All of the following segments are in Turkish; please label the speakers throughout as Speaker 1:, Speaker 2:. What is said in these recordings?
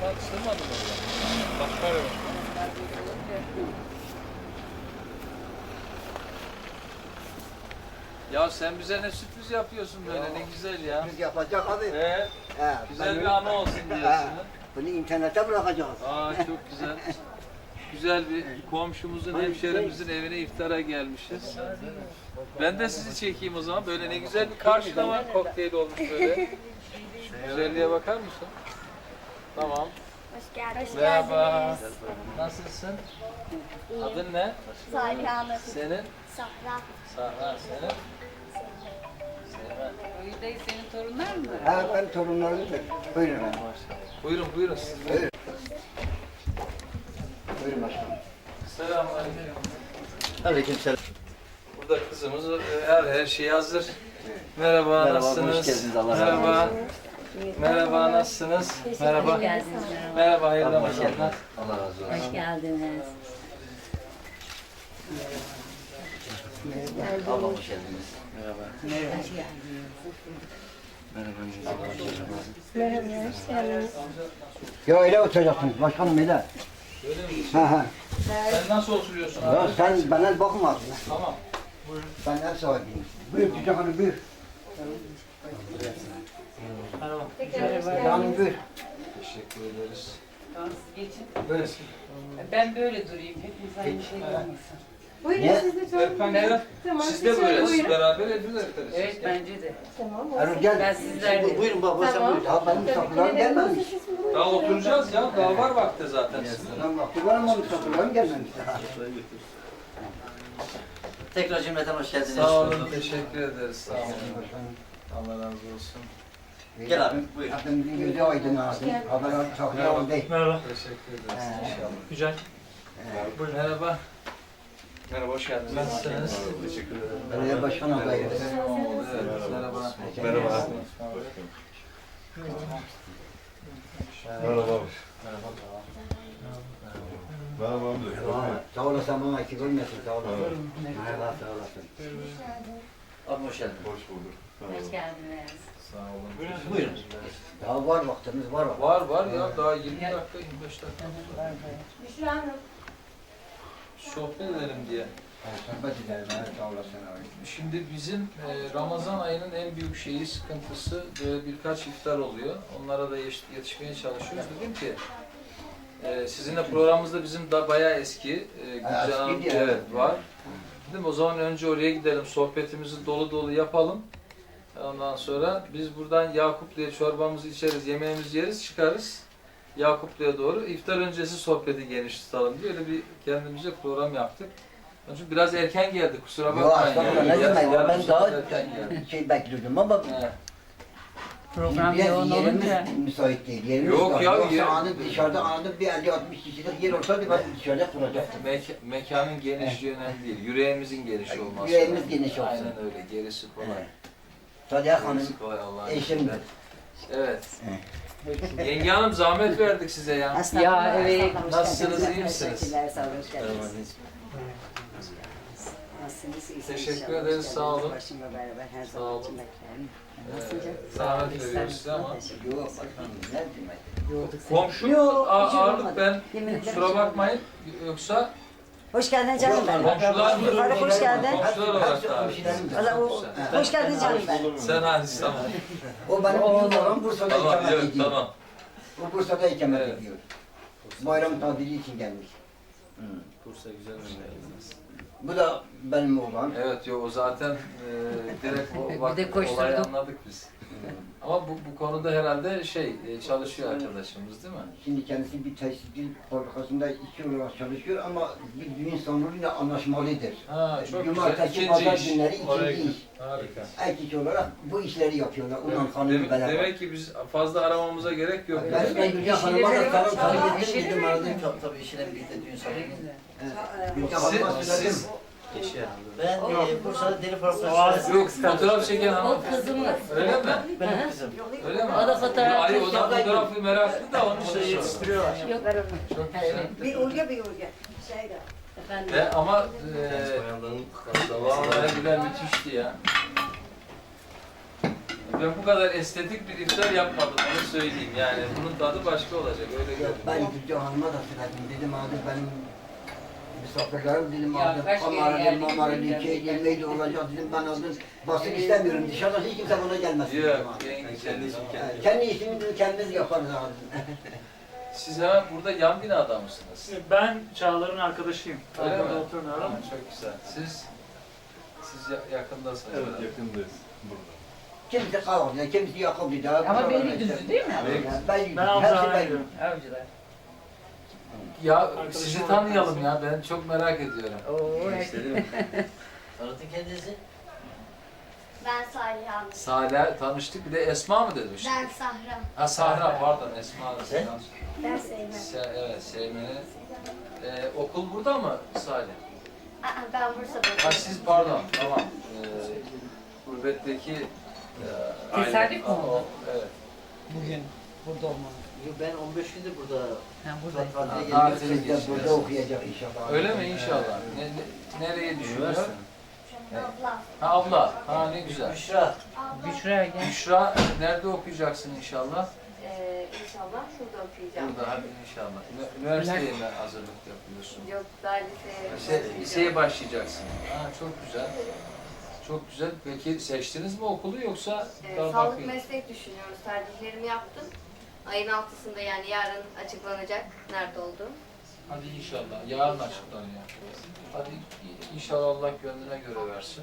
Speaker 1: Sığmadın oraya. Başka yok. Ya sen bize ne sürpriz yapıyorsun böyle, ne güzel ya.
Speaker 2: Biz yapacak abi.
Speaker 1: Güzel bir anı olsun diyorsun.
Speaker 2: Bunu internete bırakacağız.
Speaker 1: Çok güzel. Güzel bir komşumuzun, hemşerimizin evine iftara gelmişiz. Ben de sizi çekeyim o zaman. Böyle ne güzel bir karşılama kokteyl olmuş böyle. Şu güzelliğe bakar mısın? Tamam.
Speaker 3: Hoş geldiniz.
Speaker 1: Merhaba. Nasılsın? Adın ne?
Speaker 3: Salih Hanım.
Speaker 1: Senin?
Speaker 3: Sahra.
Speaker 1: Sahra. Senin? Seymen.
Speaker 4: Dayı senin torunlar mı?
Speaker 2: Ben torunlarımdır. Buyurun.
Speaker 1: Buyurun, buyurun.
Speaker 2: Buyurun. Buyurun başkanım.
Speaker 1: Selamünaleyküm.
Speaker 2: Aleykümselam.
Speaker 1: Burada kızımız, her şey hazır. Merhaba, nasılsınız?
Speaker 2: Hoş geldiniz. Allah razı
Speaker 1: Merhaba. Merhaba, nasılsınız? Merhaba. Merhaba, hayırlı Ramazanlar.
Speaker 2: Allah razı olsun.
Speaker 4: Hoş geldiniz.
Speaker 2: Allah hoş geldiniz.
Speaker 1: Merhaba.
Speaker 4: Hoş geldiniz.
Speaker 3: Merhaba, hoş geldiniz.
Speaker 2: Ya öyle oturacaksınız başkanım öyle.
Speaker 1: Öyle mi?
Speaker 2: Ha.
Speaker 1: Sen nasıl oturuyorsun
Speaker 2: Ya
Speaker 1: abi?
Speaker 2: sen bana bakma.
Speaker 1: Tamam.
Speaker 2: Ben ev sahibiyim. Buyur Tüccar Hanım buyur. Hanım buyur.
Speaker 1: Teşekkür ederiz.
Speaker 4: Geçin.
Speaker 1: Böyle.
Speaker 4: Ben böyle durayım. Hepiniz aynı şey olmasın.
Speaker 2: Ne?
Speaker 1: Efendim, siz de böyle, siz beraber ediniz.
Speaker 4: Evet bence de.
Speaker 2: Erol gel.
Speaker 4: Ben sizlerle.
Speaker 2: Buyurun baba sen buyur. Ya benim misafirlerim gelmemiş.
Speaker 1: Daha oturacağız ya, daha var vakti zaten.
Speaker 2: Lan vakti var ama misafirlerim gelmemiş.
Speaker 5: Tekrar cümleten hoş geldiniz.
Speaker 1: Sağ olun, teşekkür ederiz. Sağ olun. Allah razı olsun.
Speaker 5: Gel abi, buyur.
Speaker 2: Hepimizin gözü aydın abi. Haber saklayalım değil.
Speaker 1: Merhaba. Teşekkür ederiz inşallah.
Speaker 6: Güzel.
Speaker 1: Merhaba. Merhaba, hoş geldiniz. Nasılsınız? Teşekkür ederim.
Speaker 2: Belediye başkan adayı.
Speaker 1: Evet, merhaba.
Speaker 6: Merhaba. Merhaba. Merhaba abi.
Speaker 2: Sağ olasın bana eksik olmasın. Sağ olasın. Merhaba sağ olasın.
Speaker 5: Abi hoş geldin.
Speaker 6: Hoş bulduk.
Speaker 4: Hoş geldiniz.
Speaker 1: Sağ olun.
Speaker 5: Buyurun.
Speaker 2: Daha var vaktimiz var.
Speaker 1: Var ya, daha 20 dakika, 25 dakika.
Speaker 3: Büşra Hanım.
Speaker 1: Sohbet edelim diye.
Speaker 2: Sohbet edelim. Evet, sağ olasın abi.
Speaker 1: Şimdi bizim Ramazan ayının en büyük şeyi, sıkıntısı böyle birkaç iftar oluyor. Onlara da yetişmeye çalışıyoruz. Dedim ki sizinle programımızda bizim da bayağı eski Gülcan Hanım
Speaker 2: eskiydi ya.
Speaker 1: evet, var. Dedim o zaman önce oraya gidelim, sohbetimizi dolu dolu yapalım. Ondan sonra biz buradan Yakuplu'ya çorbamızı içeriz, yemeğimizi yeriz, çıkarız. Yakuplu'ya doğru iftar öncesi sohbeti geniş tutalım diye öyle bir kendimize program yaptık. Onun için biraz erken geldik, kusura
Speaker 2: Yok
Speaker 1: bakmayın.
Speaker 2: estağfurullah ne demek ya
Speaker 1: Yarım
Speaker 2: ben
Speaker 1: saat
Speaker 2: daha
Speaker 1: erken geldik.
Speaker 2: şey bekliyordum ama
Speaker 1: Evet.
Speaker 4: Program
Speaker 2: biraz
Speaker 4: yoğun
Speaker 2: yerimiz
Speaker 4: olunca.
Speaker 2: müsait değil. Yerimiz
Speaker 1: Yok
Speaker 2: dar.
Speaker 1: ya,
Speaker 2: Yoksa
Speaker 1: yer-
Speaker 2: anı dışarıda anında bir 50-60 kişilik yer olsaydı ben dışarıda kuracaktım.
Speaker 1: Mekanın genişliği önemli değil, yüreğimizin geniş olması.
Speaker 2: Yüreğimiz
Speaker 1: önemli.
Speaker 2: geniş olsun.
Speaker 1: Aynen öyle, gerisi kolay.
Speaker 2: Sadiye Hanım
Speaker 1: Gerisi kolay Allah'ın
Speaker 2: eşimdir.
Speaker 1: izniyle. Evet. Yenge Hanım zahmet verdik size ya.
Speaker 4: Ya evet.
Speaker 1: Nasılsınız, iyi misiniz?
Speaker 7: Teşekkürler, sağ olun, hoş geldiniz. Nasılsınız? İyisiniz
Speaker 1: Teşekkür
Speaker 7: inşallah,
Speaker 1: ederiz,
Speaker 7: hoş
Speaker 1: sağ
Speaker 7: geldiniz.
Speaker 1: olun.
Speaker 7: Başımla beraber her
Speaker 1: Sağ
Speaker 7: zaman
Speaker 1: olun.
Speaker 7: için beklerim.
Speaker 1: Zahmet veriyoruz size ama.
Speaker 2: Yok başkanım ne demek.
Speaker 1: Komşu
Speaker 7: Yok, hiç
Speaker 1: ağırlık
Speaker 7: olmadı.
Speaker 1: ben,
Speaker 7: Yemin ederim
Speaker 1: kusura
Speaker 7: hiç
Speaker 1: bakmayın. Yoksa
Speaker 7: Hoş geldin canım benim.
Speaker 1: komşular mı?
Speaker 7: Yukarı hoş geldin.
Speaker 1: Komşular olarak da.
Speaker 7: Valla hoş geldin canım benim.
Speaker 1: Sen hadi tamam.
Speaker 2: O benim büyük oğlum Bursa'da
Speaker 1: Tamam,
Speaker 2: ikamet
Speaker 1: yok,
Speaker 2: ediyor.
Speaker 1: tamam.
Speaker 2: O Bursa'da ikamet
Speaker 1: Evet.
Speaker 2: ediyor. Bayram tatili için gelmiş.
Speaker 1: Bursa güzel memleketimiz.
Speaker 2: Bu da benim oğlan.
Speaker 1: Evet, yok o zaten direkt o
Speaker 4: Bir de koşturduk.
Speaker 1: olayı anladık biz. Ama bu konuda herhalde çalışıyor arkadaşımız değil mi?
Speaker 2: Şimdi kendisi bir tekstil fabrikasında işçi olarak çalışıyor ama bir düğün sonrayla anlaşmalıdır.
Speaker 1: Ha, çok güzel.
Speaker 2: Cumartesi,
Speaker 1: İkinci
Speaker 2: pazar
Speaker 1: iş.
Speaker 2: günleri
Speaker 1: Oraya
Speaker 2: ikinci iş.
Speaker 1: Harika.
Speaker 2: Erkek olarak bu işleri yapıyorlar. Ondan hanımı beraber.
Speaker 1: Demek ki biz fazla aramamıza gerek yok.
Speaker 2: Ben Gülcan Hanım'a da sarıl sarıl
Speaker 4: İşini
Speaker 2: dedim dedim aradım.
Speaker 5: Tabii işine birlikte düğün salonu.
Speaker 2: Gülcan Hanım'a söyledim.
Speaker 1: Siz
Speaker 5: Ben Bursa'da deri fabrikası.
Speaker 1: yok fotoğraf çeken
Speaker 4: O
Speaker 1: hanım.
Speaker 4: kızımız.
Speaker 1: Öyle mi?
Speaker 5: Benim kızım.
Speaker 1: Öyle mi?
Speaker 4: O da fotoğraf
Speaker 1: Ay, o da
Speaker 4: çekiyor.
Speaker 1: fotoğrafı meraklı da onu yetiştiriyorlar.
Speaker 4: Yok.
Speaker 1: Çok güzel.
Speaker 7: Bir urge bir urge. Şeyde.
Speaker 4: Efendim.
Speaker 1: Ama vallahi güzel müthişti ya. ben bu kadar estetik bir iftar yapmadım, onu söyleyeyim. Yani bunun tadı başka olacak, öyle
Speaker 2: Ya
Speaker 1: görünüyor.
Speaker 2: ben Gülce Hanım'a da söyledim. Dedim abi benim misafirlerim dedim
Speaker 4: Ya
Speaker 2: abi
Speaker 4: kaç kere
Speaker 2: kamera dedim
Speaker 4: geldik,
Speaker 2: mamara
Speaker 4: geldik,
Speaker 2: şey
Speaker 4: geldik.
Speaker 2: yemeği de olacak dedim ben aldım. Basın istemiyorum dışarıdan hiç kimse bana gelmesin dedim
Speaker 1: Yok,
Speaker 2: abi.
Speaker 6: Kendi işini
Speaker 2: Yani kendi işimi de kendimiz yaparız abi.
Speaker 1: Siz hemen burada yan binada mısınız?
Speaker 8: Ben Çağlar'ın arkadaşıyım.
Speaker 1: Öyle mi?
Speaker 8: Burada oturmuyorum.
Speaker 1: Ha, çok güzel. Siz yakındasınız.
Speaker 6: Evet,
Speaker 1: herhalde.
Speaker 6: yakındayız. Burada.
Speaker 2: Kimisi Kavaklı'da, kimisi Yakuplu'da.
Speaker 4: Ama Beylikdüzü değil mi?
Speaker 2: Ben
Speaker 8: Ben
Speaker 2: her
Speaker 8: Avcılar'a
Speaker 2: şey ben.
Speaker 8: gidiyorum.
Speaker 4: Avcılar.
Speaker 1: Ya
Speaker 8: Arkadaşım
Speaker 1: sizi
Speaker 8: olarak
Speaker 1: tanıyalım
Speaker 8: nasıl?
Speaker 1: ya, ben çok merak ediyorum.
Speaker 4: Oo,
Speaker 5: Tanıtın kendinizi.
Speaker 3: Ben Salih Hanım.
Speaker 1: Salih tanıştık, bir de Esma mı demiş?
Speaker 3: Ben Sahra.
Speaker 1: Ha Sahra, pardon Esma.
Speaker 5: Sen?
Speaker 3: Ben Seymen.
Speaker 1: Evet, Seymen'i. Okul burada mı Salih?
Speaker 3: Ben Bursa'da.
Speaker 1: Ha siz pardon, tamam. Gurbetteki
Speaker 4: Tesadüf mü
Speaker 1: Aa,
Speaker 4: oldu?
Speaker 1: Evet.
Speaker 4: Bugün burada olmam.
Speaker 5: Ben 15 gündür burada
Speaker 4: Ha buradayım.
Speaker 5: tatile
Speaker 1: Ha,
Speaker 5: geliyorum.
Speaker 1: tatil.
Speaker 2: Siz de burada okuyacak inşallah.
Speaker 1: Öyle mi inşallah? Nereye düşünüyor?
Speaker 3: Abla.
Speaker 1: Ha abla, ha ne güzel.
Speaker 5: Büşra.
Speaker 4: Büşra gel.
Speaker 1: Büşra nerede okuyacaksın inşallah?
Speaker 3: İnşallah şurada okuyacağım.
Speaker 1: Burada hadi inşallah. Üniversiteye mi hazırlık yapıyorsun?
Speaker 3: Yok daha
Speaker 1: Liseye başlayacaksın. Ha çok güzel. Çok güzel. Peki seçtiniz mi okulu yoksa daha
Speaker 9: Sağlık
Speaker 1: bakayım?
Speaker 9: meslek düşünüyoruz. Tercihlerimi yaptım. Ayın 6'sında yani yarın açıklanacak nerede olduğum.
Speaker 1: Hadi inşallah. Yarın açıklanıyor. Hadi inşallah Allah gönlüne göre versin.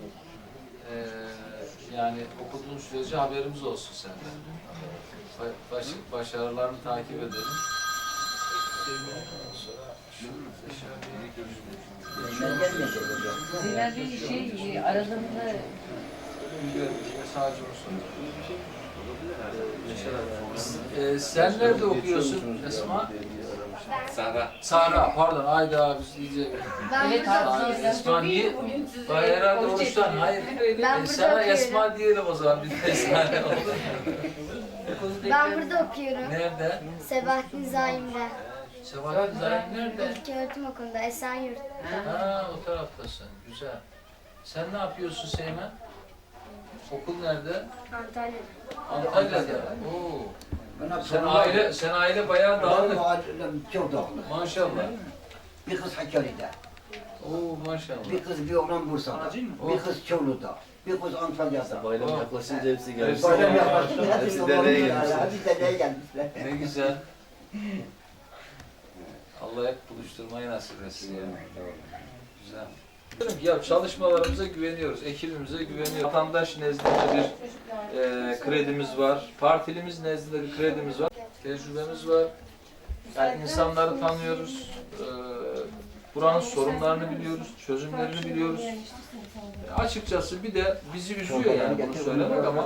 Speaker 1: Yani okuduğun sürece haberimiz olsun senden. Başarılarını takip edelim. Ondan sonra
Speaker 2: Ben gelmeyecek hocam.
Speaker 4: Zira bir şey aralarında
Speaker 1: sadece onu soruyorum. Sen nerede okuyorsun Esma? Sahra, pardon. Ayda biz iyice...
Speaker 3: Ben
Speaker 4: Evet,
Speaker 3: burada
Speaker 4: abi.
Speaker 3: okuyorum.
Speaker 1: Esma niye?
Speaker 4: Hayır,
Speaker 1: Herhalde oruçtan. Hayır.
Speaker 3: Ben burada
Speaker 1: Sana
Speaker 3: okuyorum.
Speaker 1: Esma diyelim o zaman. Bir de Esma ne oldu?
Speaker 3: Ben burada okuyorum.
Speaker 1: Nerede?
Speaker 3: Sebahattin Zaim'de.
Speaker 1: Sebahattin Zahim nerede?
Speaker 3: İlköğretim okulunda Esenyurt.
Speaker 1: Ha, o taraftasın. Güzel. Sen ne yapıyorsun Seymen? Okul nerede?
Speaker 3: Antalya'da.
Speaker 1: Antalya'da. Oo.
Speaker 2: Bana
Speaker 1: Sen aile bayağı dağınık.
Speaker 2: Çok dağınık.
Speaker 1: Maşallah.
Speaker 2: Bir kız Hakkari'de,
Speaker 1: Oo maşallah.
Speaker 2: bir kız bir oğlan Bursa'da,
Speaker 8: Acil mi?
Speaker 2: bir kız Çorlu'da, bir kız Antalya'da.
Speaker 6: Bayram
Speaker 1: Oh.
Speaker 6: yaklaşınca hepsi geldi.
Speaker 1: Hepsi
Speaker 2: Bayram
Speaker 1: geldi.
Speaker 2: yaklaşınca hepsi
Speaker 6: Hepsi dereye
Speaker 2: gelmişler.
Speaker 6: gelmişler.
Speaker 2: Hepsi dereye gelmişler.
Speaker 1: Ne güzel. Allah hep buluşturmayı nasip etsin ya. Güzel. Ya çalışmalarımıza güveniyoruz, ekibimize güveniyoruz. Vatandaş nezdinde bir kredimiz var, partilimiz nezdinde bir kredimiz var, tecrübemiz var. Yani insanları tanıyoruz, buranın sorunlarını biliyoruz, çözümlerini biliyoruz. Açıkçası bir de bizi üzüyor yani bunu söylemek ama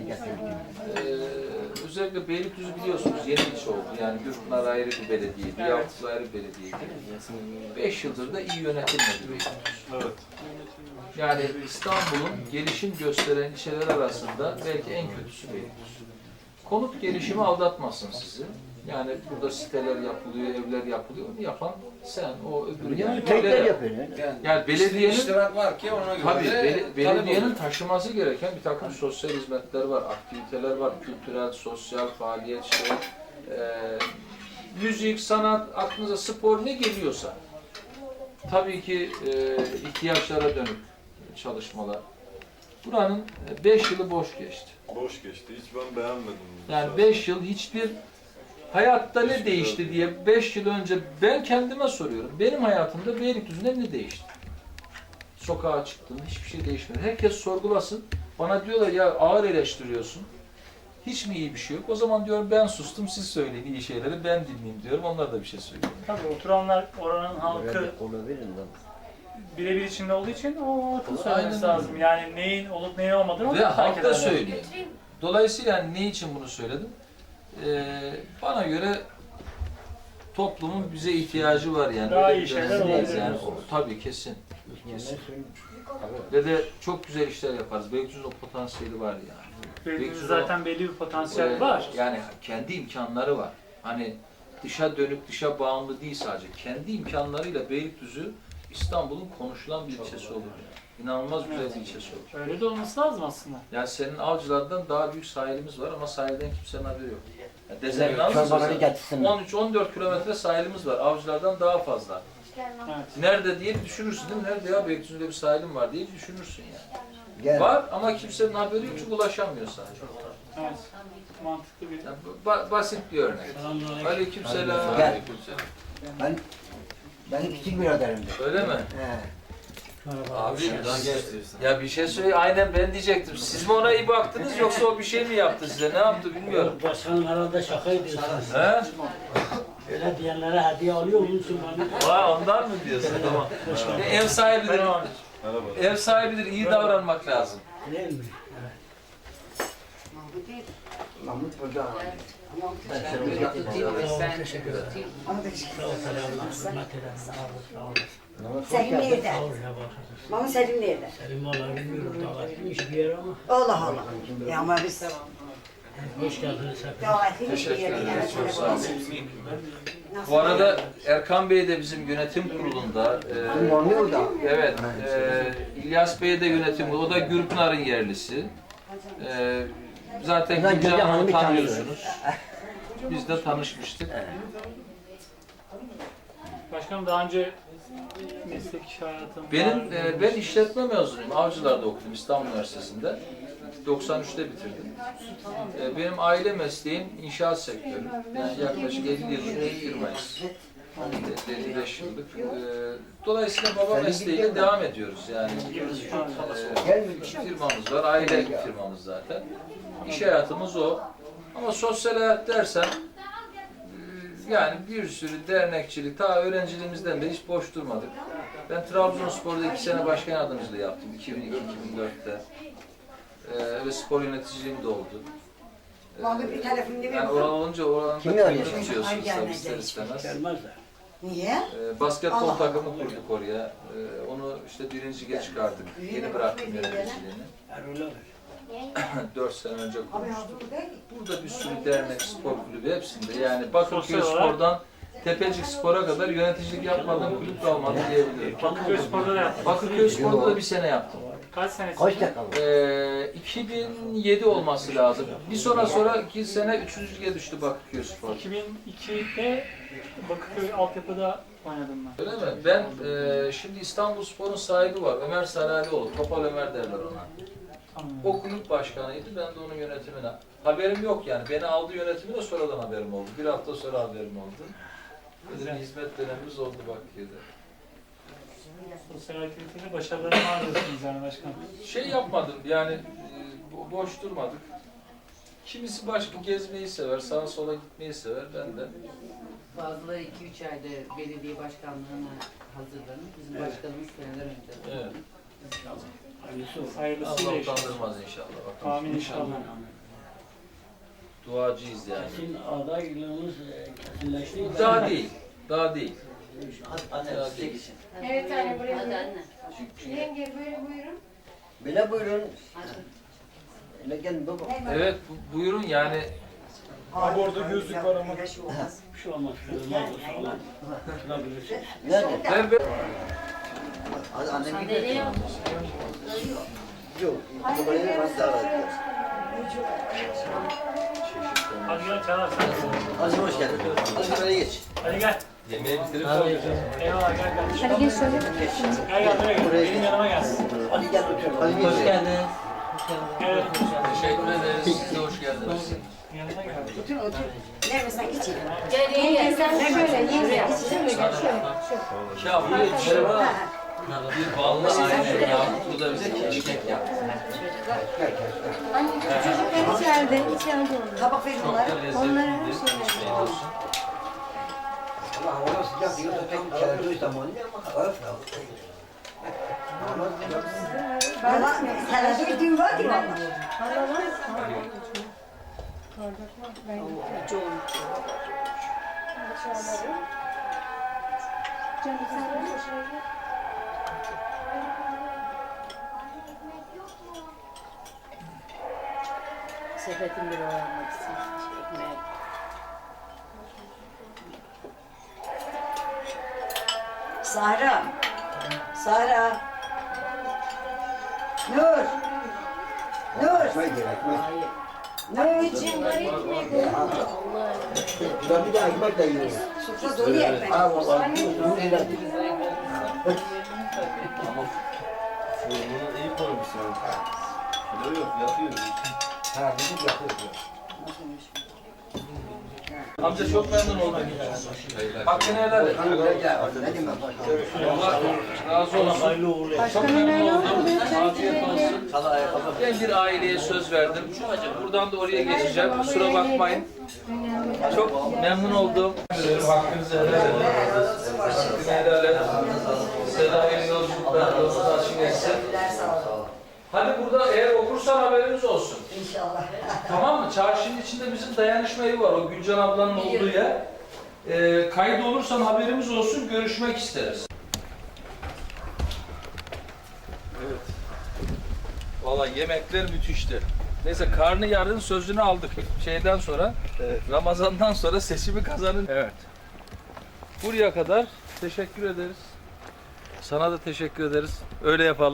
Speaker 1: özellikle Beylikdüzü biliyorsunuz yeni ilçe oldu. Yani Gürpınar ayrı bir belediyeydi, Yakuplu ayrı bir belediyeydi. 5 yıldır da iyi yönetilmedi Beylikdüzü.
Speaker 6: Evet.
Speaker 1: Yani İstanbul'un gelişim gösteren ilçeler arasında belki en kötüsü Beylikdüzü. Konut gelişimi aldatmasın sizi. Yani burada siteler yapılıyor, evler yapılıyor. Onu yapan sen, o öbürü. Yani
Speaker 2: Tekrar yapıyor.
Speaker 1: yani belediyenin
Speaker 10: iştirak var ki ona göre
Speaker 1: tabii
Speaker 10: de
Speaker 1: belediyenin
Speaker 10: talep
Speaker 1: taşıması gereken bir takım sosyal hizmetler var, aktiviteler var, kültürel, sosyal faaliyet işte, müzik, sanat, aklınıza spor ne geliyorsa. Tabii ki ihtiyaçlara dönük çalışmalar. Buranın 5 yılı boş geçti.
Speaker 6: Boş geçti. Hiç ben beğenmedim.
Speaker 1: Yani 5 yıl hiçbir hayatta ne değişti diye 5 yıl önce ben kendime soruyorum. Benim hayatımda Beylikdüzü'nde ne değişti? Sokağa çıktım, hiçbir şey değişmedi. Herkes sorgulasın. Bana diyorlar ya ağır eleştiriyorsun. Hiç mi iyi bir şey yok? O zaman diyorum ben sustum, siz söyleyin iyi şeyleri, ben dinleyeyim diyorum. Onlar da bir şey söylüyor.
Speaker 8: Tabii oturanlar oranın halkı
Speaker 2: Olabilir lan.
Speaker 8: birebir içinde olduğu için o halkın
Speaker 1: Aynen
Speaker 8: söylemesi
Speaker 1: öyle.
Speaker 8: lazım. Yani neyin olup neyin olmadığını
Speaker 1: Ve
Speaker 8: onlar fark
Speaker 1: halk da
Speaker 8: ederler.
Speaker 1: söylüyor. Dolayısıyla yani ne için bunu söyledim? Bana göre toplumun bize ihtiyacı var yani.
Speaker 8: Daha
Speaker 1: Öyle
Speaker 8: iyi
Speaker 1: bir
Speaker 8: şeyler
Speaker 1: dönemdeyiz
Speaker 8: olabilir.
Speaker 1: yani. Tabii kesin. Ve de çok güzel işler yaparız. Beylikdüzü'nün o potansiyeli var yani.
Speaker 8: Beylikdüzü zaten belli bir potansiyel var.
Speaker 1: Yani kendi imkanları var. Hani dışa dönük, dışa bağımlı değil sadece. Kendi imkanlarıyla Beylikdüzü İstanbul'un konuşulan bir ilçesi olur. İnanılmaz güzel bir ilçesi olur.
Speaker 8: Öyle de olması lazım aslında.
Speaker 1: Yani senin Avcılar'dan daha büyük sahilimiz var ama sahilden kimsenin haberi yok. Yani Dezenli
Speaker 2: Çorbaları getirsinler.
Speaker 1: 13-14 kilometre sahilimiz var. Avcılar'dan daha fazla.
Speaker 8: Evet.
Speaker 1: Nerede diye düşünürsün değil mi? Nerede ya Beylikdüzü'nde bir sahilim var diye düşünürsün yani.
Speaker 2: Gel.
Speaker 1: Var ama kimsenin haberi yok çünkü ulaşamıyor sadece.
Speaker 8: Evet. Mantıklı bir.
Speaker 1: Yani basit bir örnek. Aleykümselam.
Speaker 2: Gel. Benim küçük biraderimdi.
Speaker 1: Öyle mi?
Speaker 2: He.
Speaker 1: Abi
Speaker 6: Şuradan geç diyorsun.
Speaker 1: ya bir şey söyle, aynen ben diyecektim. Siz mi ona iyi baktınız yoksa o bir şey mi yaptı size? Ne yaptı bilmiyorum.
Speaker 10: Başkanım herhalde şaka ediyorsunuz.
Speaker 1: He?
Speaker 10: Öyle diyenlere hediye alıyor musun bana?
Speaker 1: Vay ondan mı diyorsun? Tamam. Ev sahibidir.
Speaker 6: Merhaba.
Speaker 1: Ev sahibidir. İyi davranmak lazım.
Speaker 10: Değil mi?
Speaker 2: Mahmut burada.
Speaker 5: Ben seni getirdim.
Speaker 10: Ben teşekkür ederim. Sağ ol selamlar. Hürmet ederim. Sağ ol. Sağ ol.
Speaker 7: Selim nerede?
Speaker 10: Sağ ol ya bak.
Speaker 7: Mama Selim nerede?
Speaker 10: Selim valla bilmiyorum davetliymiş bir yer ama.
Speaker 7: Allah Allah. Ya ama biz
Speaker 10: Hoş geldiniz hepiniz.
Speaker 7: davetliymiş bir
Speaker 1: Teşekkür
Speaker 7: yere
Speaker 1: ederiz. Çok sağ olun.
Speaker 7: Nasıl?
Speaker 1: Bu arada Erkan Bey de bizim yönetim kurulunda.
Speaker 2: Mahmut o da.
Speaker 1: Evet. İlyas Bey de yönetim kurulu. O da Gürpınar'ın yerlisi. Zaten
Speaker 2: Ulan
Speaker 1: Gülcan
Speaker 2: Gülcan
Speaker 1: Hanım'ı
Speaker 2: Hanım'ı
Speaker 1: tanıyorsunuz. Biz de tanışmıştık.
Speaker 8: Başkanım daha önce meslek hayatım
Speaker 1: Ben işletme mezunuyum. Avcılar'da okudum İstanbul Üniversitesi'nde. 93'te bitirdim. Benim aile mesleğim inşaat sektörü. Yani yaklaşık 50 yıllık bir firmayız. 55 yıllık. Dolayısıyla baba mesleğiyle devam ediyoruz. Yani firmamız var, aile firmamız zaten. İş hayatımız o. Ama sosyal hayat dersen yani bir sürü dernekçilik, ta öğrenciliğimizden de hiç boş durmadık. Ben Trabzonspor'da 2 sene başkan yardımcılığı yaptım 2002-2004'te. Ve spor yöneticiliğim de oldu.
Speaker 7: Mahmut bir telefonunu
Speaker 1: Yani
Speaker 7: ver.
Speaker 1: oran olunca oranın
Speaker 2: Kimi
Speaker 1: da
Speaker 2: arıyorsun?
Speaker 1: tutuyorsunuz tabii ister istemez.
Speaker 10: Gelmezler.
Speaker 7: Niye?
Speaker 1: Basketbol
Speaker 7: Allah
Speaker 1: takımı
Speaker 7: Allah.
Speaker 1: kurduk oraya. Onu işte birinciye çıkardık. Yeni bıraktım yöneticiliğini.
Speaker 10: Her öyle olur.
Speaker 1: 4 sene önce
Speaker 7: Abi
Speaker 1: kurmuştum.
Speaker 7: hazır bu değil.
Speaker 1: Burada bir sürü dernek, spor kulübü hepsinde. Yani Bakırköy
Speaker 8: Sosyal olarak-
Speaker 1: Spor'dan Tepecik Spor'a kadar yöneticilik yapmadığım kulüp kalmadı diyebilirim.
Speaker 8: Bakırköy Spor'da da yaptım.
Speaker 1: Bakırköy Spor'da da bir sene yaptım.
Speaker 8: Kaç senesi?
Speaker 2: Kaç dakika?
Speaker 1: 2007 olması lazım. Bir sonraki sene 3. lige düştü Bakırköy Spor.
Speaker 8: 2002'de Bakırköy altyapıda oynadım ben.
Speaker 1: Öyle mi? Ben şimdi İstanbul Spor'un sahibi var. Ömer Saralioğlu. Topal Ömer derler ona.
Speaker 8: Tamam.
Speaker 1: O kulüp başkanıydı. Ben de onun yönetimine. Haberim yok yani. Beni aldı yönetimine sonradan haberim oldu. Bir hafta sonra haberim oldu. Bizim hizmet dönemimiz oldu Bakırköy'de.
Speaker 8: Sosyal aktivitede başarılarını var diyorsunuz yani başkanım.
Speaker 1: Şey yapmadım yani boş durmadık. Kimisi başka gezmeyi sever, sağa sola gitmeyi sever. Ben de
Speaker 4: Bazıları 2-3 ayda belediye başkanlığına hazırlanır. Bizim başkanımız seneler önce.
Speaker 1: evet.
Speaker 8: Hayırlısıyla
Speaker 1: Allah
Speaker 8: inşallah.
Speaker 1: utandırmaz inşallah. Bakalım.
Speaker 8: Amin inşallah.
Speaker 1: Duacıyız yani.
Speaker 10: Sizin adaylığınız kesinleşti mi?
Speaker 1: Daha değil. Daha değil.
Speaker 5: Anne size geçin.
Speaker 3: Evet anne buraya
Speaker 4: Hadi
Speaker 3: buyurun.
Speaker 4: anne.
Speaker 3: Yenge böyle buyurun.
Speaker 2: Böyle buyurun. Öyle gelin baba.
Speaker 1: Evet buyurun yani
Speaker 7: Abi orada gözlük var ama. Şey olmaz.
Speaker 10: Bir şey olmaz. Olmaz olsa olur. Tutabilirsiniz.
Speaker 2: Nerede?
Speaker 1: ben
Speaker 2: Hadi annem
Speaker 9: Sandalye
Speaker 2: gidiyor.
Speaker 9: yok.
Speaker 2: Yok. Babayı ben davet ediyorum.
Speaker 8: Hadi gel Çağlar sen.
Speaker 2: Hadi hoş geldin. Hadi böyle geç.
Speaker 8: Hadi gel.
Speaker 1: yemeği bitirip kalmayacağız.
Speaker 8: Eyvallah gel gel.
Speaker 3: Hadi geç şöyle.
Speaker 8: Gel buraya gel. Benim yanıma gelsin.
Speaker 2: Hadi gel otur. Hadi geç.
Speaker 5: Hoş geldiniz.
Speaker 8: Evet.
Speaker 1: Teşekkür ederiz. Siz de hoş geldiniz.
Speaker 8: Yanına gel.
Speaker 7: Otur otur. Nereden geçelim?
Speaker 9: Gel yenge.
Speaker 3: Sen de şöyle yenge. Şöyle gel şöyle.
Speaker 1: Ya bu yetişir var. Bir ballı aile Yakup da bize keşkek yaptı.
Speaker 3: Anne çocuklar içeride. İçeride onlar.
Speaker 7: Tabak verin onlara.
Speaker 1: Çok da lezzetli.
Speaker 3: Onlara her
Speaker 1: bir
Speaker 3: şey
Speaker 1: şey olsun.
Speaker 2: Allah hava sıcak diyorsa tam çağırdığı zaman ama hava
Speaker 7: Valla herhalde bir düğün var ki valla.
Speaker 3: Canım sen de şöyle.
Speaker 4: Sepetin bir oranmak için ekmeğe.
Speaker 7: Sahra. Sahra. Nur. Nur.
Speaker 2: Ekmek yer ekmek.
Speaker 3: Anneciğim var ekmek.
Speaker 2: Ben bir de ekmek de yiyorum.
Speaker 7: Sofra dolu ekmek.
Speaker 2: Ha valla.
Speaker 6: Bunu iyi koymuşsun. Yok yok yapıyor.
Speaker 2: Ha bizim yapıyoruz.
Speaker 1: Amca çok memnun oldum. Hakkını helal et.
Speaker 2: Ne diyeyim ben?
Speaker 1: Allah razı olsun. Çok memnun oldum. Afiyet olsun. Ben bir aileye söz verdim. Buradan da oraya geçeceğim. Kusura bakmayın. Çok memnun oldum. Hakkınızı helal edin. Hakkını helal et. Size de hayırlı yolculuklar. Yolunuz açık etsin. Hadi burada eğer okursan haberiniz olsun.
Speaker 7: İnşallah.
Speaker 1: Tamam mı? Çarşının içinde bizim dayanışma evi var. O Gülcan ablanın olduğu yer. Kayıt olursan haberimiz olsun. Görüşmek isteriz. Evet. Valla yemekler müthişti. Neyse karnıyarın sözünü aldık. Şeyden sonra, Ramazan'dan sonra seçimi kazanın. Evet. Buraya kadar teşekkür ederiz. Sana da teşekkür ederiz. Öyle yapalım.